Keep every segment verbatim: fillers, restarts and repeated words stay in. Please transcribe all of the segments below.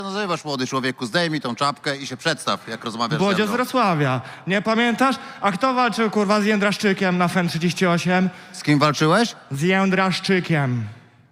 nazywasz, młody człowieku? Zdejmij tą czapkę i się przedstaw, jak rozmawiasz ze Bodzio z mną. Wrocławia. Nie pamiętasz? A kto walczył, kurwa, z Jędraszczykiem na F E N trzydzieści osiem? Z kim walczyłeś? Z Jędraszczykiem.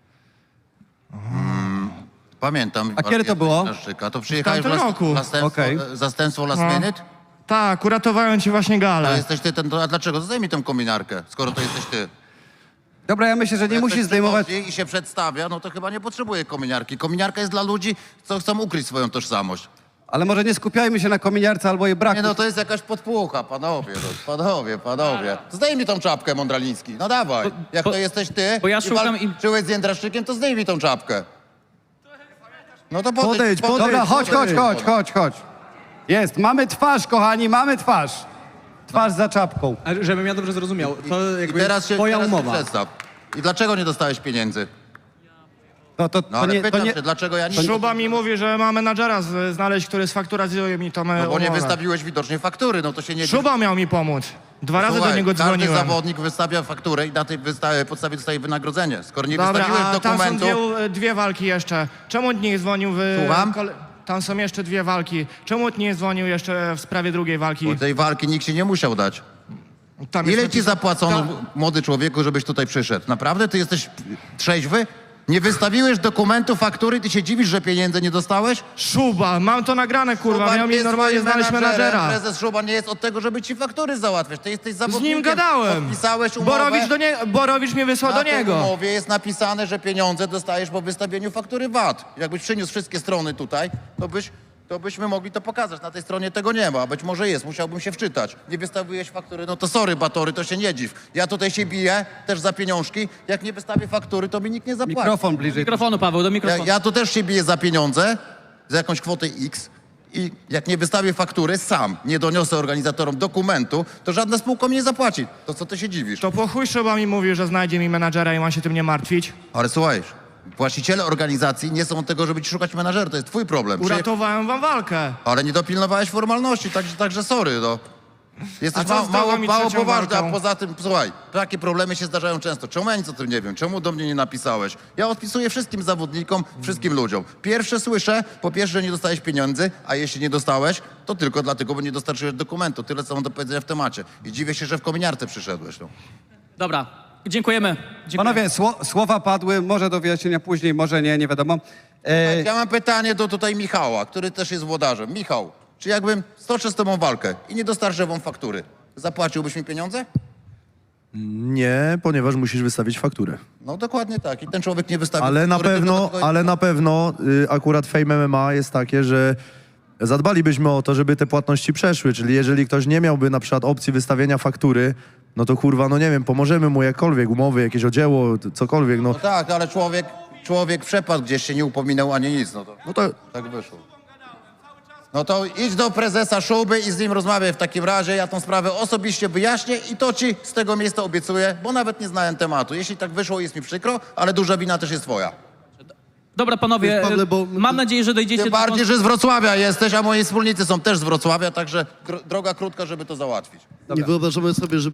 Pamiętam. A kiedy to było? A to przyjechałeś w tamtym las- roku. zastępstwo, Okej. zastępstwo last No. minute? Tak, uratowałem ci właśnie To galę. jesteś ty ten, to, a dlaczego? Zdejmij tą kominarkę, skoro to jesteś ty. Dobra, ja myślę, że nie Jak musi ktoś zdejmować... przychodzi i się przedstawia, no to chyba nie potrzebuje kominiarki. Kominiarka jest dla ludzi, co chcą ukryć swoją tożsamość. Ale może nie skupiajmy się na kominiarce albo jej braku. Nie no, to jest jakaś podpucha, panowie, no, panowie, panowie. Zdejmij tą czapkę, Mądraliński, no dawaj. Jak bo- to jesteś ty bo ja i szukam im- walczyłeś z Jędraszczykiem, to zdejmij tą czapkę. No to podejdź, Podejdź, podejdź. Dobra, chodź, chodź, Ej. chodź, chodź, chodź. Jest, mamy twarz, kochani, mamy twarz. Twarz za czapką. A żebym ja dobrze zrozumiał, to I jakby teraz się, twoja teraz się umowa. przedstaw. I dlaczego nie dostałeś pieniędzy? No to, No to ale nie... To pytam nie... się, dlaczego ja nie... Szuba mi mówi, że ma menadżera z- znaleźć, który sfakturazuje mi to No bo nie umowę. wystawiłeś widocznie faktury, no to się nie... Szuba miał mi pomóc. Dwa razy Słuchaj, do niego każdy dzwoniłem. zawodnik wystawia fakturę i na tej wysta- podstawie dostaje wynagrodzenie. Skoro nie Dobra, wystawiłeś a tam są dokumentu... dwie, dwie walki jeszcze. Czemu nie dzwonił w... Słucham? kole- Tam są jeszcze dwie walki. Czemu nie dzwonił jeszcze w sprawie drugiej walki? Bo tej walki nikt ci nie musiał dać. Tam jest Ile ci napis- zapłacono, Ta- młody człowieku, żebyś tutaj przyszedł? Naprawdę? Ty jesteś trzeźwy? Nie wystawiłeś dokumentu, faktury, ty się dziwisz, że pieniędzy nie dostałeś? Szuba, mam to nagrane, kurwa. Szuban Miał mi jest normalnie twoim znaleźć menadżerem. menadżera. Prezes Szuban nie jest od tego, żeby ci faktury załatwiać. Ty jesteś Z zawodnikiem. nim gadałem. Podpisałeś umowę. Borowicz, do nie... Borowicz mnie wysłał Na do tej niego. umowie jest napisane, że pieniądze dostajesz po wystawieniu faktury V A T. Jakbyś przyniósł wszystkie strony tutaj, to byś... To byśmy mogli to pokazać. Na tej stronie tego nie ma. Być może jest. Musiałbym się wczytać. Nie wystawiłeś faktury, no to sorry, Batory, to się nie dziw. Ja tutaj się biję, też za pieniążki. Jak nie wystawię faktury, to mi nikt nie zapłaci. Mikrofon bliżej. Mikrofonu, Paweł, do Ja, mikrofonu. ja tu też się biję za pieniądze, za jakąś kwotę X. I jak nie wystawię faktury sam, nie doniosę organizatorom dokumentu, to żadna spółka mnie nie zapłaci. To co ty się dziwisz? To po chuj Szuba mi mówił, że znajdzie mi menadżera i ma się tym nie martwić. Ale słuchaj, właściciele organizacji nie są od tego, żeby ci szukać menadżera. To jest twój problem. Przyje- Uratowałem wam walkę. Ale nie dopilnowałeś formalności, także, także sorry, no. Jesteś A co ma, z drugą mało, i mało trzecią poważny, a walką? poza tym, słuchaj, takie problemy się zdarzają często. Czemu ja nic o tym nie wiem? Czemu do mnie nie napisałeś? Ja odpisuję wszystkim zawodnikom, wszystkim ludziom. Pierwsze słyszę, po pierwsze, że nie dostałeś pieniędzy, a jeśli nie dostałeś, to tylko dlatego, bo nie dostarczyłeś dokumentu. Tyle, co mam do powiedzenia w temacie. I dziwię się, że w kominiarce przyszedłeś, no. Dobra, dziękujemy. Dziękujemy. Panowie, sło, słowa padły, może do wyjaśnienia później, może nie, nie wiadomo. E, Ja mam pytanie do tutaj Michała, który też jest włodarzem. Michał, czy jakbym stoczył z tobą walkę i nie dostarczył wam faktury, zapłaciłbyś mi pieniądze? Nie, ponieważ musisz wystawić fakturę. No dokładnie tak. I ten człowiek nie wystawił Ale na faktury, pewno, tylko dlatego- ale na pewno y, akurat Fame M M A jest takie, że zadbalibyśmy o to, żeby te płatności przeszły. Czyli jeżeli ktoś nie miałby na przykład opcji wystawienia faktury, no to kurwa, no nie wiem, pomożemy mu jakkolwiek, umowy, jakieś odzieło, t- cokolwiek, no. No tak, ale człowiek, człowiek przepadł gdzieś, się nie upominał ani nic. No to, No to tak wyszło. No to idź do prezesa Szuby i z nim rozmawiaj w takim razie. Ja tą sprawę osobiście wyjaśnię i to ci z tego miejsca obiecuję, bo nawet nie znałem tematu. Jeśli tak wyszło, jest mi przykro, ale duża wina też jest twoja. Dobra, panowie, Pawle, bo- mam nadzieję, że dojdziecie Tym do... bardziej, że z Wrocławia jesteś, a moi wspólnicy są też z Wrocławia, także gro- droga krótka, żeby to załatwić. Nie wyobrażamy sobie, że